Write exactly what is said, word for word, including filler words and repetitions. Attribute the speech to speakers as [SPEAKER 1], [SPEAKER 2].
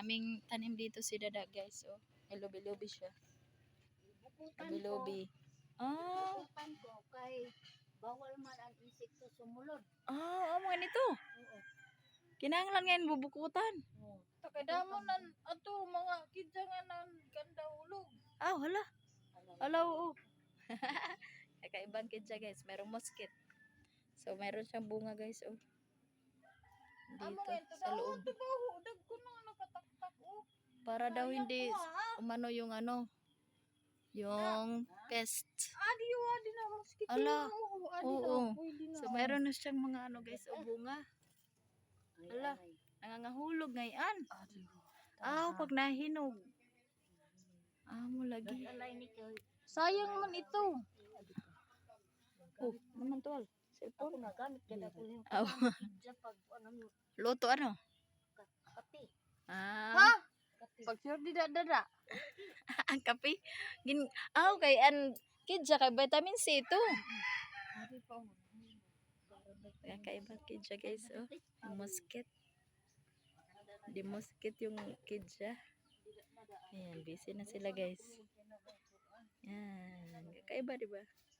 [SPEAKER 1] Maraming tanim dito si Dada, guys. Oh, may lubi-lubi siya. Lubi-lubi. Ah,
[SPEAKER 2] Bukutan ko kay bawal man ang insekto sumulod.
[SPEAKER 1] ah, amo nito.
[SPEAKER 2] Oo.
[SPEAKER 1] Kinahanglan ngayon bubukutan.
[SPEAKER 2] Oo.
[SPEAKER 3] Takadamo nan ato mga kidsa nga nan ganda ulog.
[SPEAKER 1] Ah, hala. Hala, oo. Kakaibang kidsa, guys. Merong mosquito. So, meron siyang bunga, guys. Oh.
[SPEAKER 3] Amo
[SPEAKER 1] Dito,
[SPEAKER 3] nga ito
[SPEAKER 1] sa
[SPEAKER 3] daw
[SPEAKER 1] loob.
[SPEAKER 3] tubaho dag ko na nakataktak oh.
[SPEAKER 1] Para daw hindi umano yung ano, yung pest.
[SPEAKER 3] Adi yo adi na mosquito.
[SPEAKER 1] Ala.
[SPEAKER 3] Oo, adi
[SPEAKER 1] Oo.
[SPEAKER 3] na pwede na.
[SPEAKER 1] So, meron na siyang mga ano, guys, o bunga.
[SPEAKER 2] Ay,
[SPEAKER 1] Ala.
[SPEAKER 2] ay.
[SPEAKER 1] Nangangahulog ngayon.
[SPEAKER 3] Adi.
[SPEAKER 1] Ah, pag nahinog. Ah, mo lagi.
[SPEAKER 2] Alay ni kay
[SPEAKER 3] Sayang man ito.
[SPEAKER 1] Oh, naman tol.
[SPEAKER 2] ako
[SPEAKER 1] Cellphone.
[SPEAKER 2] nagamit kada ko yung
[SPEAKER 1] Oh.
[SPEAKER 2] kidsa pag ano mo
[SPEAKER 1] Luto ano?
[SPEAKER 2] kape.
[SPEAKER 1] Ah,
[SPEAKER 3] Ha?
[SPEAKER 2] Kape.
[SPEAKER 3] Pag sure di dada.
[SPEAKER 1] ang kape. Gin ah, okay, an kidsa kay vitamin C ito.
[SPEAKER 2] Ari pa oh.
[SPEAKER 1] Kakaibang kidsa, guys, oh. Yung mosquito. Di mosquito yung kidsa. Ayan, busy na sila, guys. Yan. Kakaiba, di ba?